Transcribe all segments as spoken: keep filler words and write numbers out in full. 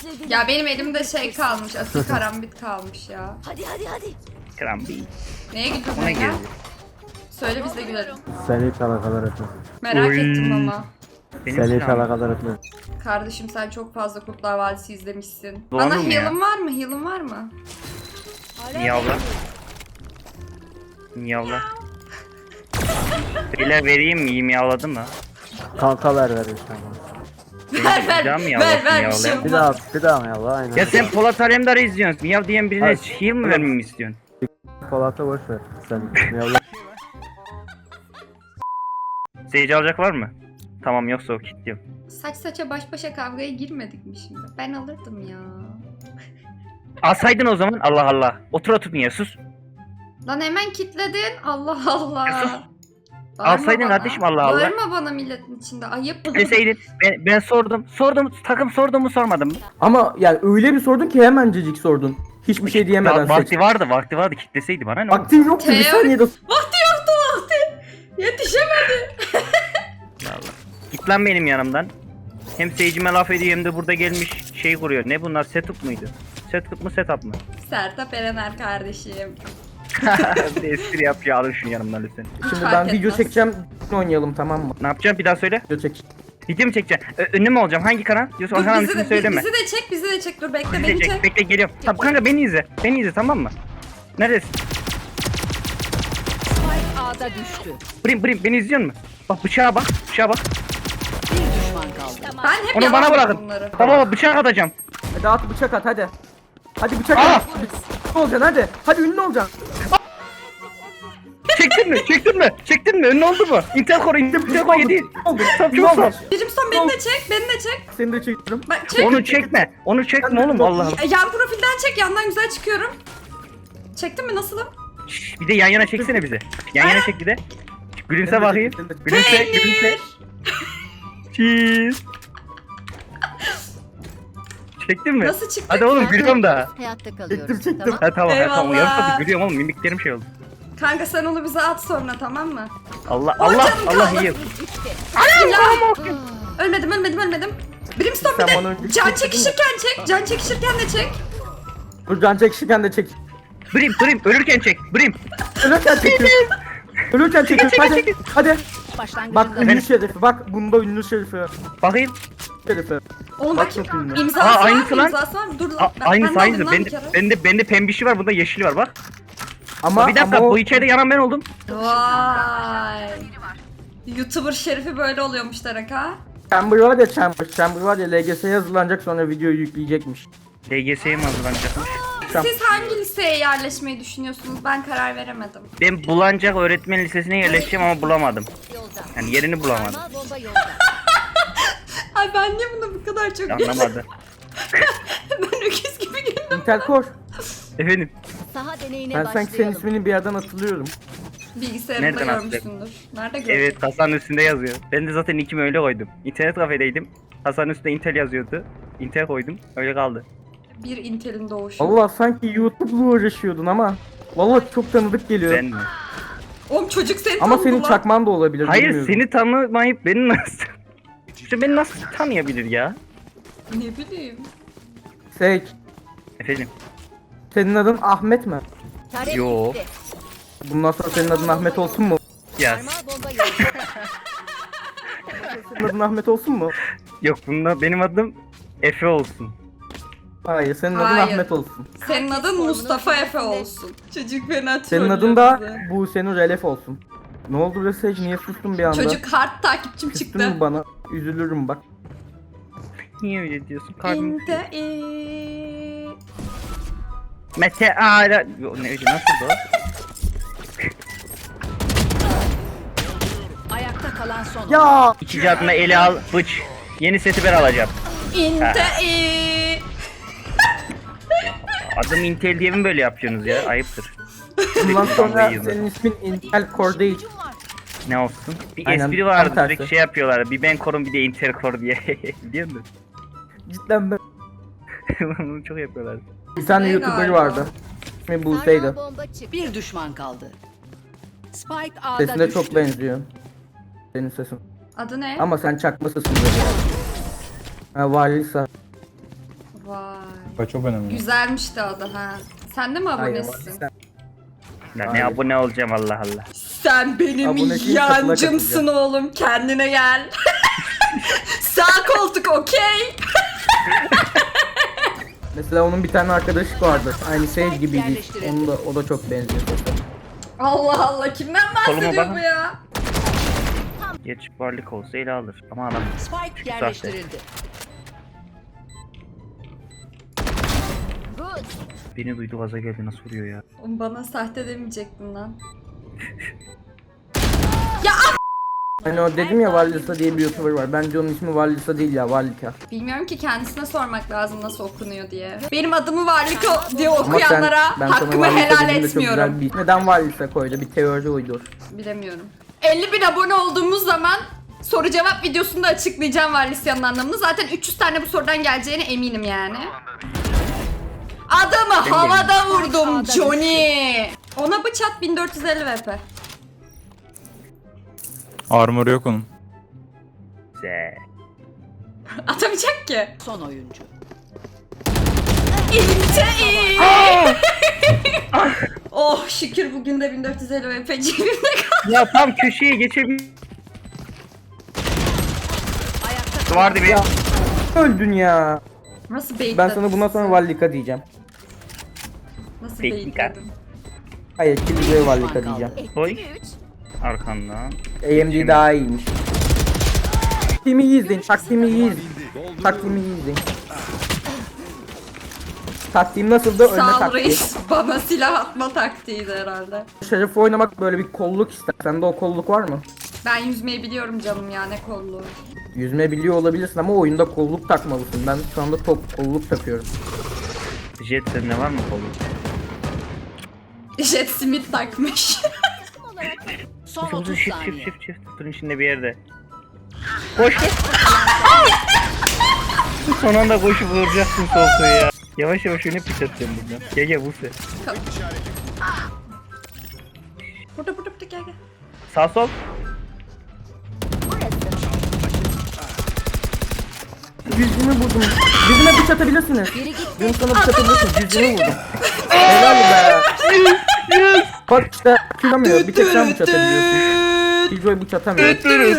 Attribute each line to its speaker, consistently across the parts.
Speaker 1: özledim.
Speaker 2: Ya benim elimde şey kalmış. Asil karambit kalmış ya.
Speaker 1: Hadi hadi hadi.
Speaker 3: Krambi.
Speaker 2: Neye gidiyorsun
Speaker 3: Ona
Speaker 2: Ege?
Speaker 3: girdi.
Speaker 2: Söyle biz de gülelim.
Speaker 4: Seni hiç alakadar etmez.
Speaker 2: Merak
Speaker 3: Oy.
Speaker 2: ettim ama.
Speaker 3: Benim
Speaker 4: Seni hiç
Speaker 3: silahım.
Speaker 4: alakadar etmez.
Speaker 2: Kardeşim sen çok fazla Kurtlar Vadisi izlemişsin.
Speaker 3: Doğru
Speaker 2: Bana
Speaker 3: mu ya?
Speaker 2: heal'ın var mı? Heal'ın var mı?
Speaker 3: Miyavla. Miyavla. Beyler vereyim mi? İyi miyavladın mı?
Speaker 4: Kanka ver ver işte.
Speaker 2: Ver ver.
Speaker 3: Can mı
Speaker 2: Ver
Speaker 3: yavlasın
Speaker 2: ver bir
Speaker 3: ya
Speaker 2: şey
Speaker 3: oğlum?
Speaker 4: Bir
Speaker 2: olmaz.
Speaker 4: daha bir daha mı yallah aynen.
Speaker 3: Ya sen Polat Alemdar'ı izliyorsun. Miyav diyen birine
Speaker 4: Hayır.
Speaker 3: heal mi vermemi istiyorsun?
Speaker 4: Polat'a boş ver. Sen yallah.
Speaker 3: Seyirci alacak var mı? Tamam yoksa o kilitliyorum.
Speaker 2: Saç saça baş başa kavgaya girmedik mi şimdi? Ben alırdım ya.
Speaker 3: Alsaydın o zaman Allah Allah. Otur otur niye sus.
Speaker 2: Lan hemen kitledin. Allah Allah.
Speaker 3: Ya sus.
Speaker 2: Bağırma
Speaker 3: Alsaydın
Speaker 2: bana.
Speaker 3: kardeşim, Allah Allah.
Speaker 2: Bağırma bana milletin içinde. Ayıp.
Speaker 3: Deseydin ben, ben sordum. Sordum takım sorduğumu sormadım mı?
Speaker 5: Ama yani öyle bir sordun ki hemencecik sordun. Hiçbir şey diyemeden
Speaker 3: Va- vakti
Speaker 5: seç.
Speaker 3: vardı vakti vardı kitleseydi bana ne oldu?
Speaker 5: Vaktin yoktu bir
Speaker 2: Teori-
Speaker 5: saniyede.
Speaker 2: Vakti yoktu vakti. Yetişemedi.
Speaker 3: Git lan benim yanımdan. Hem seyircime laf ediyor hem de burada gelmiş şey kuruyor. Ne bunlar setup muydu? Setup mu setup mı?
Speaker 2: Sertap Erener kardeşim.
Speaker 3: Bir de espri yapıyor alın şunu yanımdan lütfen.
Speaker 5: Şimdi
Speaker 2: fark
Speaker 5: ben video
Speaker 2: etmez.
Speaker 5: çekeceğim. Oynayalım tamam mı?
Speaker 3: Ne yapacağım bir daha söyle.
Speaker 5: Video çek.
Speaker 3: Video mu çekeceksin? Ö- ünlü mü olacağım? Hangi kanal? Diyorsun o
Speaker 2: Dur
Speaker 3: kanalın
Speaker 2: bizi
Speaker 3: ismini
Speaker 2: de,
Speaker 3: söyleme.
Speaker 2: bizi de çek bizi de çek. Dur bekle
Speaker 3: Bizi de
Speaker 2: beni
Speaker 3: çek.
Speaker 2: çek.
Speaker 3: Bekle geliyorum. Tamam kanka beni izle. Beni izle tamam mı? Neredesin?
Speaker 6: Spike A'da düştü.
Speaker 3: Brim brim beni izliyor musun? Bak bıçağa bak. Bıçağa bak.
Speaker 6: Bir düşman kaldı.
Speaker 2: Ben hep
Speaker 3: Onu bana
Speaker 2: yalan
Speaker 3: bırakın.
Speaker 2: bunları.
Speaker 3: Baba baba bıçak atacağım.
Speaker 5: Hadi at bıçak at hadi. Hadi bıçak
Speaker 3: Aa!
Speaker 5: at. Ünlü olacaksın hadi. Hadi ünlü olacaksın.
Speaker 3: Çektin mi? Çektin mi? Çektin mi? Ünlü oldu mu? Intel Core, Intel Core yedi.
Speaker 5: Oldu.
Speaker 3: Tamam
Speaker 5: Yok
Speaker 3: çok oldu.
Speaker 5: var.
Speaker 2: Brimstone beni de çek beni de çek.
Speaker 5: Seni de çekiyorum.
Speaker 2: Bak çek.
Speaker 3: Onu çekme. Onu çekme oğlum Allah Allah.
Speaker 2: E, Yan profilden çek yandan güzel çıkıyorum. Çektin mi nasılım?
Speaker 3: Şşş, bir de yan yana çeksene bize. Yan yana çek bir de. Gülümse bakayım. Gülümse, gülümse. Cheese. Çektin mi?
Speaker 2: Nasıl çıktı?
Speaker 3: Hadi oğlum gülüyorum da.
Speaker 6: Hayatta kalıyoruz.
Speaker 5: Çektim çektim.
Speaker 6: Tamam.
Speaker 3: Ha tamam, ha, tamam.
Speaker 2: Eyvallah.
Speaker 3: Yarım saattir gülüyorum oğlum. Mimiklerim şey oldu.
Speaker 2: Kanka sen onu bize at sonra tamam mı?
Speaker 3: Allah,
Speaker 2: Oy
Speaker 3: Allah,
Speaker 2: canım
Speaker 3: Allah
Speaker 2: kaldı.
Speaker 3: iyi.
Speaker 2: Ya. Ölmedim ölmedim ölmedim. Brimstone
Speaker 5: Sen
Speaker 2: bir
Speaker 5: bana
Speaker 2: de
Speaker 5: önce
Speaker 2: can
Speaker 5: çektin mi?
Speaker 2: çekişirken çek. Can çekişirken de çek.
Speaker 5: Dur can çekişirken de çek.
Speaker 3: Brim, Brim, ölürken çek. Brim.
Speaker 5: Ölürken çekiyorsun. Ölürken çekiyorsun hadi. Hadi.
Speaker 6: Başlangıcında.
Speaker 5: Bak ünlü şerifi bak bunda ünlü şerifi.
Speaker 3: Bakayım.
Speaker 5: Şerifi.
Speaker 2: Oğlum
Speaker 5: Bak
Speaker 2: bakayım.
Speaker 5: çok ünlü.
Speaker 2: İmzası
Speaker 3: Aa,
Speaker 2: var
Speaker 3: aynısı
Speaker 2: mı?
Speaker 3: lan.
Speaker 2: İmzası var mı? Dur
Speaker 3: A,
Speaker 2: lan. Ben,
Speaker 3: aynısı
Speaker 2: ben de
Speaker 3: aynısı.
Speaker 2: alayım lan
Speaker 3: Bende,
Speaker 2: bir kere.
Speaker 3: bende, bende pembişi var. Bunda yeşili var bak.
Speaker 5: Ama
Speaker 3: Bir dakika
Speaker 5: ama o-
Speaker 3: bu içeride yanan ben oldum.
Speaker 2: Vay. YouTuber şerifi böyle oluyormuş Derek ha.
Speaker 5: Chamber var ya Chamber. Chamber var ya L G S'ye hazırlanacak sonra videoyu yükleyecekmiş.
Speaker 3: L G S'ye mi hazırlanacakmış?
Speaker 5: Tamam.
Speaker 2: Siz hangi liseye yerleşmeyi düşünüyorsunuz? Ben karar veremedim.
Speaker 3: Ben Bulancak Öğretmen Lisesi'ne yerleşeceğim ama bulamadım.
Speaker 6: Yolda.
Speaker 3: Yani yerini bulamadım.
Speaker 6: Sarmal bomba yolda.
Speaker 2: Ay ben niye buna bu kadar çok
Speaker 3: Anlamadı.
Speaker 2: Ben öküz gibi güldüm.
Speaker 5: Intel Core.
Speaker 3: Efendim.
Speaker 6: Saha deneyine
Speaker 5: Ben sanki senin
Speaker 6: başlayalım.
Speaker 5: ismini bir yerden hatırlıyorum.
Speaker 2: Bilgisayarımda
Speaker 3: Nereden
Speaker 2: görmüşsündür. Nerede gördün?
Speaker 3: Evet kasanın üstünde yazıyor. Ben de zaten ikimi öyle koydum. İnternet kafedeydim. Kasanın üstünde Intel yazıyordu. Intel koydum. Öyle kaldı.
Speaker 2: Bir Intel'in doğuşu.
Speaker 5: Allah sanki YouTube'la uğraşıyordun ama. Vallahi çok tanıdık geliyor.
Speaker 3: Ben mi?
Speaker 2: Oğlum çocuk seni
Speaker 5: Ama
Speaker 2: tanıdı
Speaker 5: senin
Speaker 2: lan.
Speaker 5: çakman da olabilir.
Speaker 3: Hayır
Speaker 5: bilmiyorum.
Speaker 3: seni tanımayıp beni nasıl... İşte beni nasıl tanıyabilir ya?
Speaker 2: Ne bileyim.
Speaker 5: Sage,
Speaker 3: Efendim?
Speaker 5: senin adın Ahmet mi?
Speaker 6: Tarek
Speaker 3: Yo.
Speaker 6: gitti.
Speaker 5: Bundan sonra senin adın Ahmet olsun mu?
Speaker 3: Ya
Speaker 6: Sarmal bomba yolda.
Speaker 5: Senin adın Ahmet olsun mu?
Speaker 3: yok bunda benim adım Efe olsun.
Speaker 5: Hayır, senin adın
Speaker 2: Hayır.
Speaker 5: Ahmet olsun.
Speaker 2: Senin adın Mustafa Efe olsun. Çocuk fena
Speaker 5: Senin
Speaker 2: trollüyor
Speaker 5: adın da
Speaker 2: bizi.
Speaker 5: bu senin Relef olsun. Ne oldu be Sage? Niye sustun bir anda?
Speaker 2: Çocuk hard takipçim
Speaker 5: Küstün
Speaker 2: çıktı.
Speaker 5: mü bana? Üzülürüm bak.
Speaker 3: Niye öyle diyorsun? Kalbim...
Speaker 2: İnte
Speaker 3: Mete Ara... Yo, ne öyle nasıl o?
Speaker 6: Ayakta kalan son.
Speaker 5: Ya!
Speaker 3: İkinci adına ele al bıç. Yeni seti ben alacağım.
Speaker 2: İnte
Speaker 3: Adım Intel diye mi böyle yapıyorsunuz ya? Ayıptır.
Speaker 5: Bundan sonra
Speaker 3: Vallahi
Speaker 5: senin ismin Intel Core değil.
Speaker 3: Ne olsun? Bir
Speaker 5: Aynen,
Speaker 3: espri
Speaker 5: tam
Speaker 3: vardı
Speaker 5: tersi.
Speaker 3: sürekli şey yapıyorlar. Bir ben korum bir de Intel Core diye. Biliyor musun?
Speaker 5: Cidden ben.
Speaker 3: Bunu çok yapıyorlar.
Speaker 5: Bir tane
Speaker 2: Ne
Speaker 5: YouTuber
Speaker 2: galiba?
Speaker 5: vardı. İsmi Buse'ydi.
Speaker 6: Sarmal bomba çıktı. Bir düşman kaldı. Spike A'da
Speaker 5: Sesine
Speaker 6: düştü.
Speaker 5: çok benziyor. Senin sesin.
Speaker 2: Adı ne?
Speaker 5: Ama sen çakmasısın böyle. Ha Valisa.
Speaker 2: Vay.
Speaker 1: Bak çok önemli.
Speaker 2: Güzelmiş de o da ha. Sen de mi
Speaker 5: Hayır,
Speaker 2: abonesin?
Speaker 5: sen-
Speaker 3: Ya ne
Speaker 5: Hayır.
Speaker 3: abone olacağım Allah Allah.
Speaker 2: Sen benim
Speaker 5: Abone değil, katıla
Speaker 2: yancımsın
Speaker 5: katılacağım.
Speaker 2: oğlum. Kendine gel. Sağ koltuk okey.
Speaker 5: Mesela onun bir tane arkadaşı vardı. Aynı Sage gibiydi.
Speaker 6: Yerleştirildi.
Speaker 5: Onun da o da çok benziyor.
Speaker 2: Allah Allah kimden
Speaker 3: Koluma
Speaker 2: bahsediyor
Speaker 3: bakın.
Speaker 2: bu ya?
Speaker 3: Geç varlık olsa ele alır. Ama adam
Speaker 6: Spike yerleştirildi.
Speaker 3: beni duydu gaza geldi nasıl vuruyor ya.
Speaker 2: Oğlum bana sahte demeyecektin lan.
Speaker 5: Hani o dedim ya Vallisa diye bir YouTuber var. Bence onun ismi Vallisa değil ya, Vallika.
Speaker 2: Bilmiyorum ki kendisine sormak lazım nasıl okunuyor diye. Benim adımı Varliko diye
Speaker 5: Ama sen,
Speaker 2: okuyanlara
Speaker 5: ben sana
Speaker 2: hakkımı
Speaker 5: Vallisa
Speaker 2: helal
Speaker 5: dediğimde çok
Speaker 2: etmiyorum.
Speaker 5: güzel bir... Neden Vallisa koydu? Bir teori uydur.
Speaker 2: Bilemiyorum. elli bin abone olduğumuz zaman soru cevap videosunda açıklayacağım Varlisya'nın anlamını. Zaten üç yüz tane bu sorudan geleceğine eminim yani. Adamı havada vurdum Johnny. Ona bıçak bin dört yüz elli V P.
Speaker 1: Armor yok onun.
Speaker 3: Güzel.
Speaker 2: Atamayacak ki.
Speaker 6: Son oyuncu.
Speaker 2: İnce iyi. Oh şükür bugün de bin dört yüz elli V P cebimde kaldı.
Speaker 3: Ya tam köşeye geçebilir.
Speaker 6: Ayakta
Speaker 3: Vardı bir.
Speaker 5: Öldün ya.
Speaker 2: Nasıl bait
Speaker 5: Ben sana bundan sonra Vallika diyeceğim.
Speaker 2: Nasıl
Speaker 3: Peki,
Speaker 2: bait
Speaker 3: dikkat.
Speaker 2: dedim.
Speaker 5: Hayır, Killjoy Vallika diyeceğim.
Speaker 3: Koy. Arkandan.
Speaker 5: A M D daha iyiymiş. Taktiğimi iyi izleyin, taktiğimi iyi izleyin. Taktiğimi iyi izleyin. Taktiğim nasıldı? Önüne
Speaker 2: Sağ ol
Speaker 5: taktiği.
Speaker 2: reis. Bana silah atma taktiğiydi herhalde.
Speaker 5: Şerif oynamak böyle bir kolluk ister. Sende o kolluk var mı?
Speaker 2: Ben yüzmeyi biliyorum canım ya ne kolluğu.
Speaker 5: Yüzme biliyor olabilirsin ama oyunda kolluk takmalısın. Ben şu anda top kolluk takıyorum.
Speaker 3: Jet sende var mı kolu?
Speaker 2: Jet simit takmış.
Speaker 6: son
Speaker 3: Shift
Speaker 6: otuz
Speaker 3: shift
Speaker 6: saniye.
Speaker 3: shift shift. Tutun içinde bir yerde. Koş koş. Son anda koşup vuracaksın soğukluğu ya. Yavaş yavaş öne pis atacağım buradan. Gel gel Buse.
Speaker 2: Burada burada burada gel gel.
Speaker 3: Sağ sol.
Speaker 5: Yüzümü vurdum. Yüzüme bıç atabilirsiniz.
Speaker 6: Geri git.
Speaker 5: Yüzümü sana bıç atabilirsiniz. Yüzümü vurdum. Helal be. Bak işte killamıyor. Bir tek sen bıç atabiliyorsun. Killjoy bıç atamıyor.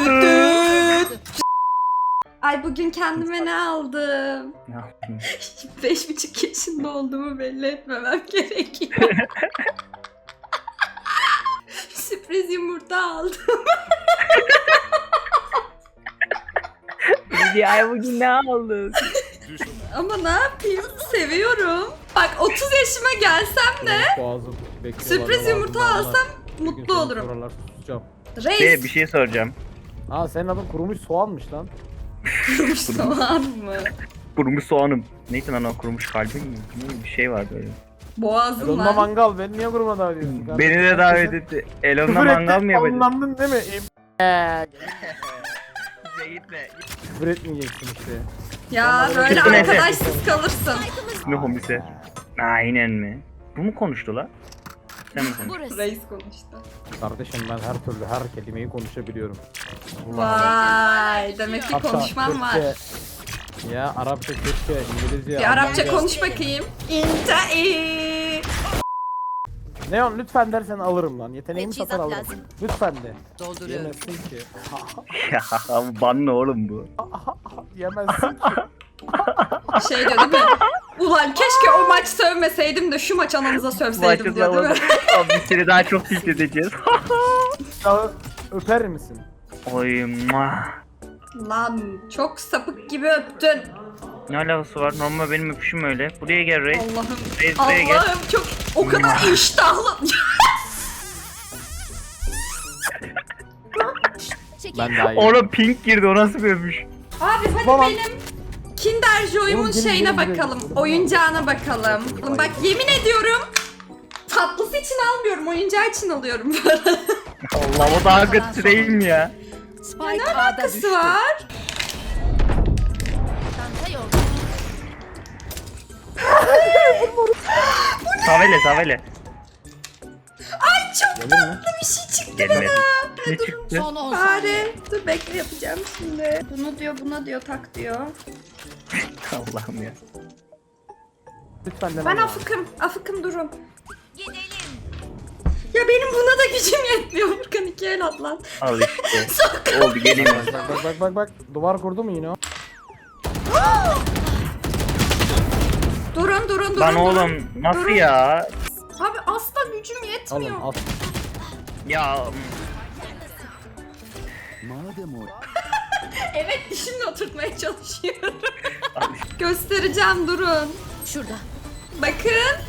Speaker 2: Ay bugün kendime ne aldım?
Speaker 3: Ne yaptın?
Speaker 2: Beş buçuk yaşında olduğumu belli etmemem gerekiyor. Sürpriz yumurta aldım.
Speaker 3: Ay bugün ne aldın?
Speaker 2: Ama ne yapayım? Seviyorum. Bak otuz yaşıma gelsem de sürpriz yumurta alsam mutlu olurum.
Speaker 3: Şey,
Speaker 2: Reis
Speaker 3: bir şey soracağım.
Speaker 4: Aa senin adın kurumuş soğanmış lan.
Speaker 2: kurumuş soğan mı?
Speaker 3: Kurumuş soğanım. Neyse lan o kurumuş kalbim mi? Ne bir şey var böyle.
Speaker 2: Boğazım
Speaker 4: Elon'la
Speaker 2: lan.
Speaker 4: mangal beni niye kuruma davet ediyorsun?
Speaker 3: Beni de davet etti. Elon'la mangal mı yapacağız?
Speaker 4: Anlandın değil mi?
Speaker 3: Gitme.
Speaker 4: Küfür etmeyeceksin işte.
Speaker 2: Ya böyle
Speaker 3: Çıktı neyse.
Speaker 2: arkadaşsız kalırsın.
Speaker 3: Ne homise? Aynen mi? Bu mu konuştu la? Sen mi konuştun?
Speaker 2: Reis konuştu.
Speaker 4: Kardeşim ben her türlü her kelimeyi konuşabiliyorum.
Speaker 2: Vay demek ki
Speaker 4: Hatta
Speaker 2: konuşmam var.
Speaker 4: Türkçe, ya Arapça, Türkçe, İngilizce,
Speaker 2: Bir Arapça
Speaker 4: Almanca.
Speaker 2: konuş bakayım. İntai.
Speaker 4: Neon lütfen dersen alırım lan. Yeteneğimi
Speaker 6: Teçhizat
Speaker 4: satar alırım.
Speaker 6: lazım.
Speaker 4: Lütfen de.
Speaker 6: Dolduruyorum.
Speaker 4: Yemezsin ki.
Speaker 3: Ya ban ne oğlum bu?
Speaker 4: Yemezsin ki.
Speaker 2: Şey diyor değil mi? Ulan keşke o maç sövmeseydim de şu maç ananıza sövseydim
Speaker 3: Maçı
Speaker 2: diyor değil mi?
Speaker 3: zaman biz seni daha çok tilt edeceğiz.
Speaker 4: Ya, öper misin?
Speaker 3: Oy muah.
Speaker 2: Lan çok sapık gibi öptün.
Speaker 3: Ne alakası var? Normal benim öpüşüm öyle. Buraya gel Reis.
Speaker 2: Allah'ım.
Speaker 3: Reis buraya gel.
Speaker 2: Allah'ım çok o kadar iştahlı.
Speaker 4: Ben daha iyi.
Speaker 3: Oğlum pink girdi o nasıl bir öpüş?
Speaker 2: Abi hadi
Speaker 4: Tamam.
Speaker 2: benim Kinder Joy'umun
Speaker 4: Oğlum, gelin,
Speaker 2: şeyine
Speaker 4: gelin, gelin.
Speaker 2: bakalım. Oyuncağına bakalım. Oğlum bak yemin ediyorum tatlısı için almıyorum. Oyuncağı için alıyorum.
Speaker 3: Allah o daha kötü değil mi ya?
Speaker 6: Spike
Speaker 2: Ne
Speaker 6: A'da
Speaker 2: alakası
Speaker 6: düştü.
Speaker 2: var?
Speaker 3: Savele savele.
Speaker 2: Ay çok
Speaker 4: Gelir mi?
Speaker 2: tatlı bir şey çıktı
Speaker 3: Gelmedi.
Speaker 2: bana.
Speaker 3: Ne çıktı?
Speaker 6: Son on saniye.
Speaker 2: Bari dur bekle yapacağım şimdi. Bunu diyor buna diyor tak diyor.
Speaker 3: Allah'ım ya.
Speaker 4: Lütfen dene.
Speaker 2: Ben afıkım. Afıkım durun. Ya benim buna da gücüm yetmiyor. Furkan iki el at lan.
Speaker 3: Al işte. Oldu geleyim ben.
Speaker 4: Bak bak bak bak bak. Duvar kurdu mu yine o?
Speaker 2: Durun durun durun.
Speaker 3: Lan
Speaker 2: durun.
Speaker 3: oğlum nasıl
Speaker 2: Durun.
Speaker 3: ya?
Speaker 2: Abi asla gücüm yetmiyor.
Speaker 4: Alın al.
Speaker 3: Ya
Speaker 2: Evet dişimle oturtmaya çalışıyorum. Göstereceğim durun.
Speaker 6: Şurada.
Speaker 2: Bakın.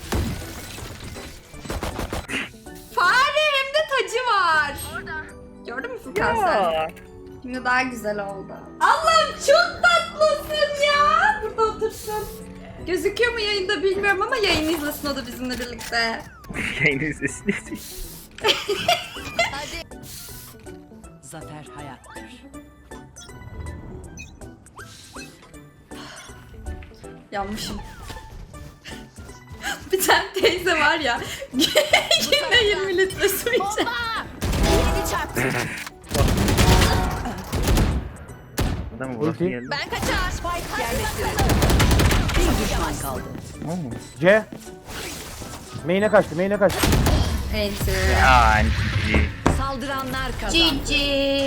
Speaker 2: Fare hem de tacı var. Gördün mü Furkan sen?
Speaker 3: ya.
Speaker 2: Şimdi daha güzel oldu. Allah'ım çok tatlısın ya. Burada otursun. Gözüküyor mu yayında bilmiyorum ama yayını izlesin o da bizimle birlikte.
Speaker 3: Yayının sesini.
Speaker 6: Zafer hayattır.
Speaker 2: Yanmışım. Bir tane teyze var ya. Günde yirmi litre su içer.
Speaker 6: Yeni çarptı.
Speaker 3: Adamı burası
Speaker 4: Ulti.
Speaker 3: geldi.
Speaker 6: Ben kaçar. Spike yerleştirildi. Bir düşman kaldı.
Speaker 4: C. Main'e kaçtı, main'e kaçtı.
Speaker 2: Enter.
Speaker 3: Aa,
Speaker 6: Saldıranlar kazandı.
Speaker 2: Cici.